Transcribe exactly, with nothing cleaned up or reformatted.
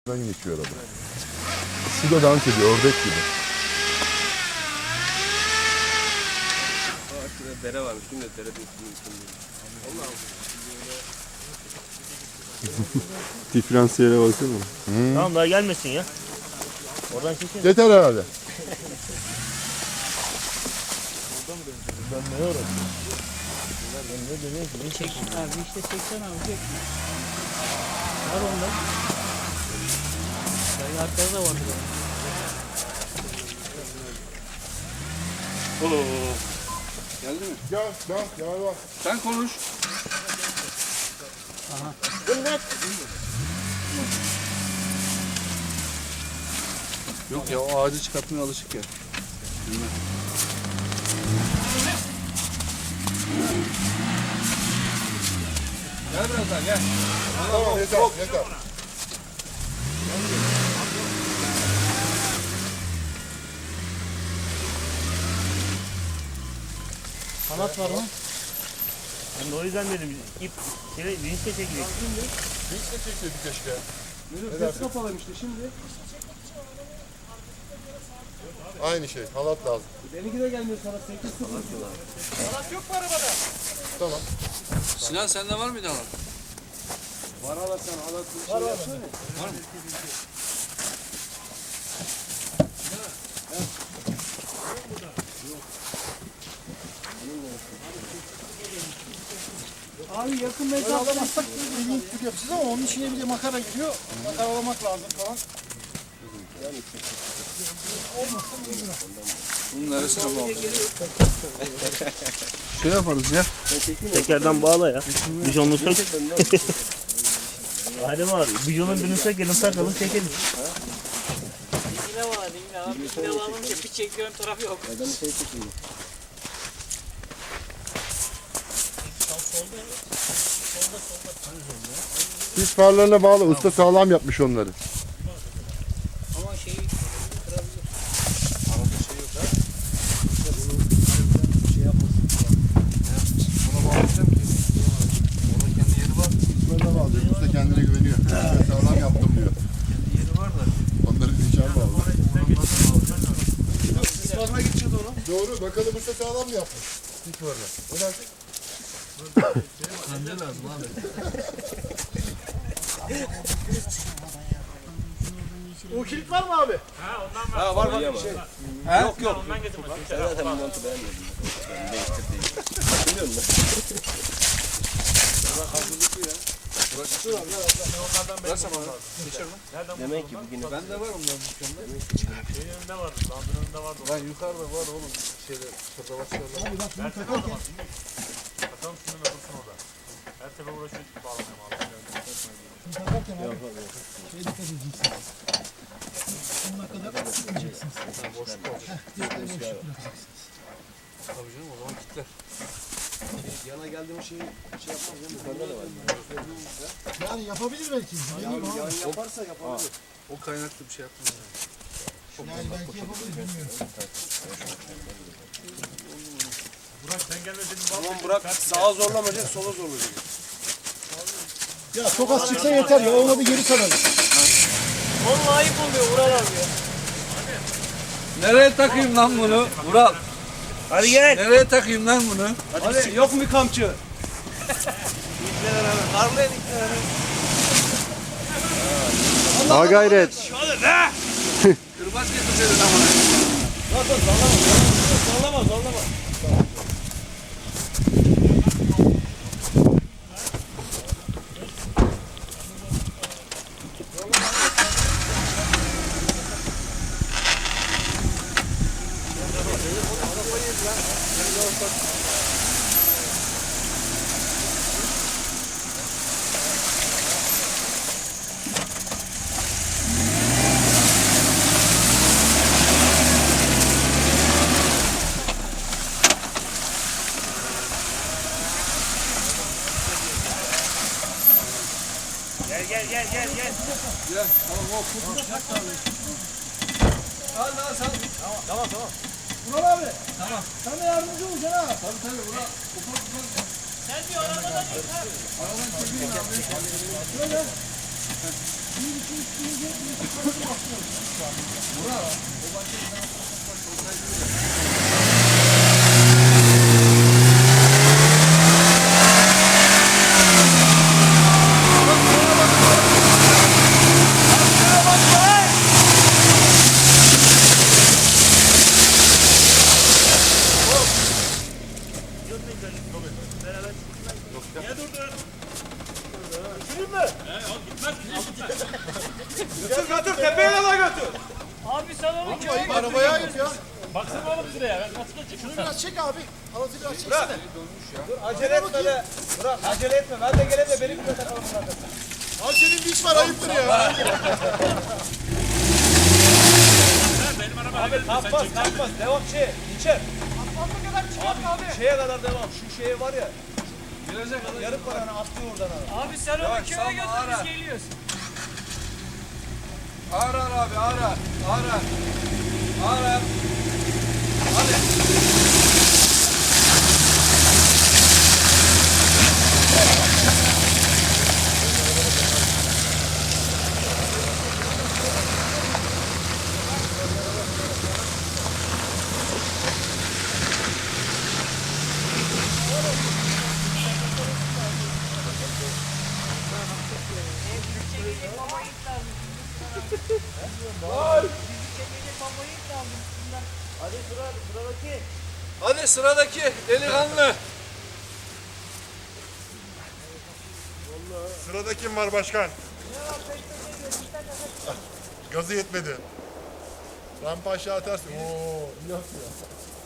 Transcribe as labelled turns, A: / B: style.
A: geçiyor araba. Şu da dans ediyor, ördek gibi.
B: Aa, şurada dere varmış. Şimdi dere üstünün üstünde.
C: Diferansiyele baksana.
D: Hmm. Tamam daha gelmesin ya. Oradan çekin.
A: Yeter herhalde.
D: Ben ne öğrendim? Ben ne dönüyor ki?
E: Çek abi işte çeksen abi çek. Var onda. Sayı arkada da vardı.
B: Oo. Geldi mi?
A: Gel, gel, gel bak.
B: Sen konuş.
E: Aha.
B: Yok ya, o ağacı çıkartmaya alışık ya. Bilmem. Gel biraz daha gel.
A: Tamam, yeter, yeter.
E: Kanat var mı?
D: Ben de o yüzden dedim ip şöyle vinçle çekilecek.
A: Hiç de çekseydik keşke.
B: Sesi kapalıymış işte şimdi.
A: Aynı şey, halat lazım.
B: Benimki de gelmiyor sana. sekiz sıfır. Halat yok mu arabada?
A: Tamam.
B: Sinan sende var mıydı halat? Var halat sana. Halat bir şey var, yapsana. Var mı?
E: Abi yakın mesafe alsak bir link tür yapacağız ama onun içine bir de makara giriyor. Makaralamak lazım falan.
B: Bunun arasına bağlı. Şey yaparız ya.
D: Tekerden bağla ya. Bijonunu sök. Hadi var. Bijonun birini sökelim takalım çekelim.
E: Dingile var dingile abi. Dingile alınca bir çekiyorum tarafı yok.
B: Adamı şey çekeyim.
A: Sis farlarına bağlı, usta sağlam yapmış onları.
E: Ama şeyi kırabilir.
B: Arada şey yok ha. İşte bunu şey yapmasın falan. Buna bağlayacağım ki. Onun kendi yeri var.
A: Böyle bağlıyor, usta kendine güveniyor. Sağlam yaptım diyor.
B: Kendi yeri var da.
A: Onları içer bağlı.
B: Sis farına gideceğiz oğlum.
A: Doğru, bakalım usta sağlam mı yapmış? Sis farına. Ne dersin?
B: Bence lazım abi.
E: O kilit var mı abi?
B: Ha var var bir şey. He? Yok yok.
D: Ondan getirmesin.
B: Ben zaten bu montu beğenmedim. Ben değiştirdim. Biliyor musun? Bırak hazırlıklı ya. Burası şu an. Burası mı? Demek ki bugün. Bende var onların dükkanda.
D: Şeyin önünde vardı. Landın önünde vardı.
B: Lan yukarıda var oğlum. Şeyde şurada başlarda.
D: Versene o zaman. Bakalım şunun nasılsın orada. Her sefer uğraşıyoruz ki bağlamaya bağlamaya.
E: Takarken abi şeye dikkat edeceksiniz. Sonuna kadar sıkmayacaksınız.
B: Boşluk olacak.
E: Dikkat boşluk bırakacaksınız.
B: Tabii canım o zaman kilitler. Yana geldiğim şeyi şey yapmaz değil mi? Bende de var.
E: Yani yapabilir belki. Yani,
B: Yani yaparsa yapabilir. O kaynaklı bir şey yapmaz yani.
E: yani belki yapabilir bilmiyorum.
D: Burak sen gelme dedim.
B: Tamam bırak sağa zorlamayacak sola zorlayacak.
E: Ya çok az çıksa yeter ya. Olmadı geri saralım. Vallahi ayıp oluyor Vural abi ya.
B: Nereye takayım lan bunu? Vural.
D: Hadi gel.
B: Nereye takayım lan bunu? Hadi, Hadi yok mu kamçı? Karlayın
C: Ha gayret.
B: Kırbaç getirseydin amına.
E: Zorlama zorlama.
D: Gel gel gel gel gel.
B: Gel. Tamam o kutu. Al lan sen.
D: Tamam tamam.
E: Vural abi. Tamam. Sen de yardımcı olacaksın ha.
B: Tabii tabii Vural. Ufak ufak.
E: Sen diyor arabadan yıkar.
B: Aradan çekeyim abi.
E: Böyle.
B: Götür götür tepeye kadar götür.
E: Abi sen onu köye götür.
B: Arabaya ayır ya.
D: Baksana oğlum şuraya. Ben nasıl geçecek?
E: Şunu biraz çek abi. Alıcı biraz çeksene.
B: Dur acele etme de. Bırak acele etme. Ben de geleyim de benim bir de takalım zaten.
E: Abi senin bir iş var ayıptır ya.
D: Benim arabaya
B: Abi kalkmaz kalkmaz. Devam şey. İçer.
E: Fazla kadar çıkart abi.
B: Şeye kadar devam. Şu şeye var ya. Gelecek kadar. Yarım paranı atlıyor oradan abi.
E: Abi sen onu
B: Yavaş,
E: köye
B: salma,
E: götür
B: ara.
E: biz geliyoruz.
B: Ağır ağır abi ağır ağır. Ağır ağır. Ağır ağır. Hadi.
E: Çekecek babayı lazım. Çekecek babayı lazım. Hadi sıra sıradaki.
B: Hadi sıradaki delikanlı.
F: Sırada kim var başkan? Gazı yetmedi. Rampa aşağı atarsın. Oo, iyi atıyor.